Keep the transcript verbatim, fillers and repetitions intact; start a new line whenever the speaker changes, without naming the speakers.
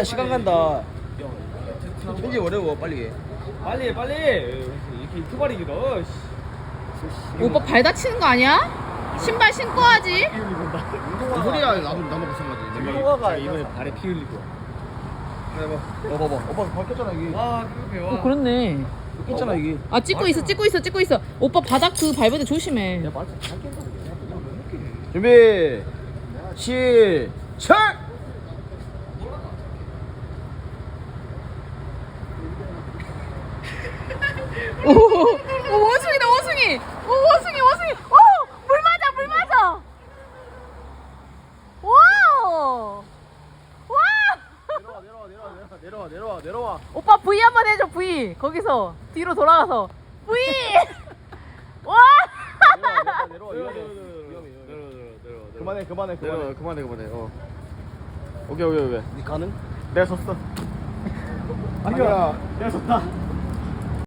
야 시간 간다. 편지 어려워 빨리.
빨리 해, 빨리. 이렇게 유튜버리 길어.
오빠 발 다치는 거 아니야? 신발 신고 하지.
뭔 소리야 나도 나도 마찬가지.
운동화가 이번에 발에 피 흘리고.
해봐. 어 봐봐. 오빠 바뀌었잖아 이게.
와 그렇게 와.
어 그렇네.
바뀌었잖아 이게.
아 찍고 있어 찍고 있어 찍고 있어. 오빠 바닥 그 밟을 때 조심해.
준비. 시작.
오, 오 원숭이다 원숭이. 오 원숭이 원숭이. 오물 맞아 물 맞아. 와우. 와.
내려와 내려와 내려와 내려와 내려와 내려와.
오빠 V 한번 해줘 V. 거기서 뒤로 돌아가서 V. 와.
내려와 내려와 위험해 위험해 위험해. 그만해 그만해 그만해
그만해 그만해. 어. 오케이 오케이 오케이.
니 가능?
내가 졌어.
아니야
내가 졌다.